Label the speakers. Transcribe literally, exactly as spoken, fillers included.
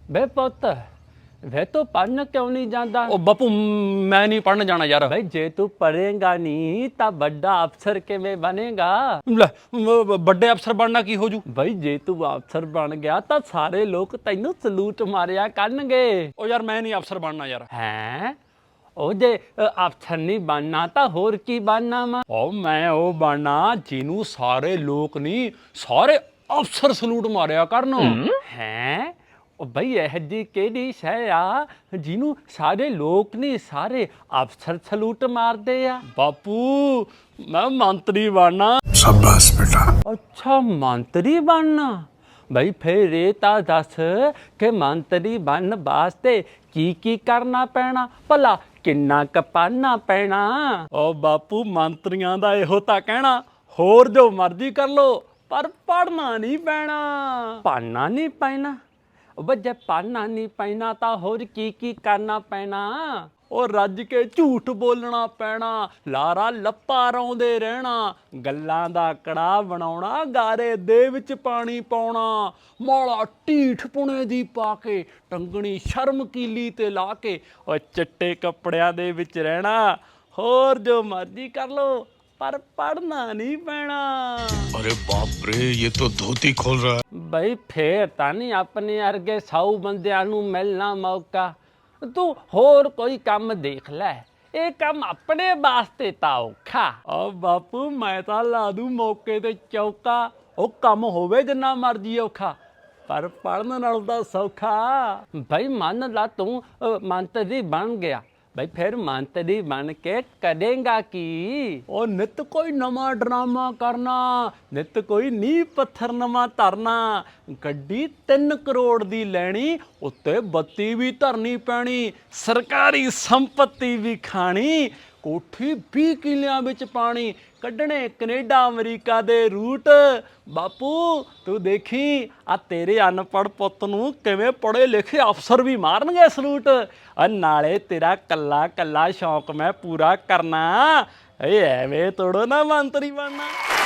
Speaker 1: बे पुत वे तो पढ़न क्यों नहीं जाता?
Speaker 2: ਉਹ ਬਾਪੂ ਮੈਂ ਨਹੀਂ ਪੜਨ ਜਾਣਾ ਯਾਰ।
Speaker 1: भाई जे तू पढ़ेगा नहीं ता बड़ा अफसर किवें बनेगा?
Speaker 2: ਲੈ ਮ- ਵੱਡੇ ਅਫਸਰ ਬਣਨਾ ਕੀ ਹੋ ਜੂ?
Speaker 1: भाई जे तू अफसर बन गया ता सारे लोग तैनू सलूट मारिया करनगे।
Speaker 2: ਉਹ ਯਾਰ ਮੈਂ ਨਹੀਂ ਅਫਸਰ ਬਣਨਾ ਯਾਰ।
Speaker 1: हैं ਉਹ ਜੇ ਅਫਸਰ ਨਹੀਂ ਬਣਨਾ ਤਾਂ ਹੋਰ ਕੀ ਬਣਨਾ ਵਾ?
Speaker 2: ਉਹ ਮੈਂ ਉਹ ਬਣਨਾ ਜਿਹਨੂੰ ਸਾਰੇ ਲੋਕ ਨਹੀਂ ਸਾਰੇ ਅਫਸਰ ਸਲੂਟ ਮਾਰਿਆ ਕਰਨ।
Speaker 1: ਹੈ ਉਹ ਬਈ ਇਹ ਜੀ ਕਿਹੜੀ ਸ਼ੈ ਆ ਜਿਹਨੂੰ ਸਾਰੇ ਲੋਕ ਨਹੀਂ ਸਾਰੇ ਅਫਸਰ ਸਲੂਟ ਮਾਰਦੇ ਆ?
Speaker 2: ਬਾਪੂ ਮੈਂ ਮੰਤਰੀ ਬਣਨਾ।
Speaker 3: शाबाश बेटा।
Speaker 1: ਅੱਛਾ ਮੰਤਰੀ ਬਣਨਾ। ਬਈ ਫਿਰ ਇਹ ਤਾਂ ਦੱਸ ਕਿ ਮੰਤਰੀ ਬਣਨ ਵਾਸਤੇ ਕੀ ਕੀ ਕਰਨਾ ਪੈਣਾ ਭਲਾ ਕਿੰਨਾ ਕਪਾਨਾ ਪੈਣਾ?
Speaker 2: ਉਹ ਬਾਪੂ ਮੰਤਰੀਆਂ ਦਾ ਇਹੋ ਤਾਂ ਕਹਿਣਾ ਹੋਰ ਜੋ ਮਰਜ਼ੀ ਕਰ ਲੋ ਪਰ ਪੜਨਾ ਨਹੀਂ ਪੈਣਾ।
Speaker 1: ਪੜਨਾ ਨਹੀਂ ਪੈਣਾ? ਉਹ ਜੇ ਪੜਨਾ ਨਹੀਂ ਪੈਣਾ ਤਾਂ ਹੋਰ ਕੀ ਕੀ ਕਰਨਾ ਪੈਣਾ?
Speaker 2: ਉਹ ਰੱਜ ਕੇ ਝੂਠ ਬੋਲਣਾ ਪੈਣਾ, ਲਾਰਾ ਲੱਪਾ ਰੌਂਦੇ ਰਹਿਣਾ, ਗੱਲਾਂ ਦਾ ਕੜਾਹ ਬਣਾਉਣਾ, ਗਾਰੇ ਦੇ ਵਿੱਚ ਪਾਣੀ ਪਾਉਣਾ, ਮੌਲਾ ਢੀਠ ਪੁਣੇ ਦੀ ਪਾ ਕੇ, ਟੰਗਣੀ ਸ਼ਰਮ ਕੀਲੀ ਤੇ ਲਾ ਕੇ, ਉਹ ਚਿੱਟੇ ਕੱਪੜਿਆਂ ਦੇ ਵਿੱਚ ਰਹਿਣਾ। ਹੋਰ ਜੋ ਮਰਜ਼ੀ ਕਰ ਲੋ ਪਰ ਪੜਨਾ ਨਹੀਂ ਪੈਣਾ।
Speaker 3: अरे बाप रे, ये तो धोती खोल रहा है।
Speaker 1: ਬਈ ਫੇਰ ਤਾਂ ਨਹੀਂ ਆਪਣੇ ਅਰਗੇ ਸੌ ਬੰਦਿਆਂ ਨੂੰ ਮਿਲਣਾ ਮੌਕਾ। ਤੂੰ ਹੋਰ ਕੋਈ ਕੰਮ ਦੇਖ ਲੈ, ਇਹ ਕੰਮ ਆਪਣੇ ਵਾਸਤੇ ਤਾਂ ਔਖਾ।
Speaker 2: ਆ ਬਾਪੂ ਮੈਂ ਤਾਂ ਲਾ ਦੂੰ ਮੌਕੇ ਤੇ ਚੌਕਾ, ਉਹ ਕੰਮ ਹੋਵੇ ਜਿੰਨਾ ਮਰਜ਼ੀ ਔਖਾ ਪਰ ਪੜਨ ਨਾਲੋਂ ਤਾਂ ਸੌਖਾ।
Speaker 1: ਬਈ ਮੰਨ ਲਾ ਤੂੰ ਅ, ਮੰਤਰੀ ਬਣ ਗਿਆ, ਬਈ ਫਿਰ ਮੰਤਰੀ ਬਣ ਕੇ ਕਰੇਂਗਾ ਕੀ?
Speaker 2: ਉਹ ਨਿੱਤ ਕੋਈ ਨਵਾਂ ਡਰਾਮਾ ਕਰਨਾ, ਨਿੱਤ ਕੋਈ ਨੀਂਹ ਪੱਥਰ ਨਵਾਂ ਧਰਨਾ, ਗੱਡੀ ਤਿੰਨ ਕਰੋੜ ਦੀ ਲੈਣੀ, ਉੱਤੇ ਬੱਤੀ ਵੀ ਧਰਨੀ ਪੈਣੀ, ਸਰਕਾਰੀ ਸੰਪत्ति ਵੀ ਖਾਣੀ, ਕੋਠੀ ਵੀਹ ਕਿੱਲਿਆਂ ਵਿੱਚ ਪਾਣੀ, ਕੱਢਣੇ ਕੈਨੇਡਾ ਅਮਰੀਕਾ ਦੇ ਰੂਟ। ਬਾਪੂ ਤੂੰ ਦੇਖੀ ਆ ਤੇਰੇ ਅਨਪੜ੍ਹ ਪੁੱਤ ਨੂੰ ਕਿਵੇਂ ਪੜ੍ਹੇ ਲਿਖੇ ਅਫਸਰ ਵੀ ਮਾਰਨਗੇ ਸਲੂਟ। ਆ ਨਾਲੇ ਤੇਰਾ ਕੱਲਾ ਕੱਲਾ ਸ਼ੌਂਕ ਮੈਂ ਪੂਰਾ ਕਰਨਾ। ਇਹ ਐਵੇਂ ਤੋੜੋ ਨਾ ਮੰਤਰੀ ਬਣਨਾ।